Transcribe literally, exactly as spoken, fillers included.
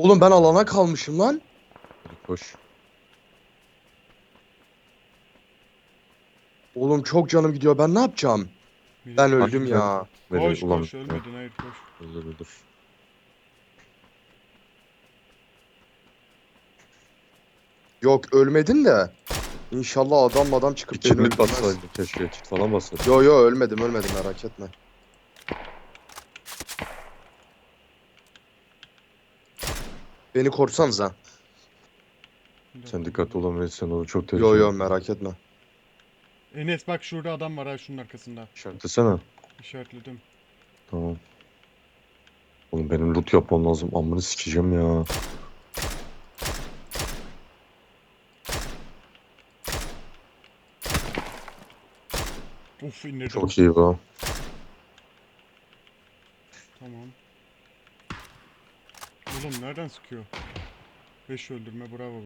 Oğlum ben alana kalmışım lan. Hadi koş. Oğlum çok canım gidiyor. Ben ne yapacağım? Biri Ben geliyor. öldüm Harbiden ya. veriyor. Koş Ulan koş ölmedin, hayır koş. Öldür öldür. Yok ölmedim de. İnşallah adam adam Bir çıkıp beni kitlik öldürmez. bassaydın keşke. Kit falan bassaydın. Yo yo ölmedim ölmedim merak etme. Beni korsanıza. Bir Sen dakika. dikkatli olamayırsan olur. Çok Yo tehlikeli. yo merak etme. Enes bak şurada adam var ha, şunun arkasında. İşaretlesene. İşaretledim. Tamam. Oğlum benim loot yapmam lazım. Amını sikeceğim ya. Uf, indirdim. Çok iyi bu. Tamam. Oğlum nereden sıkıyor? beş öldürme, bravo.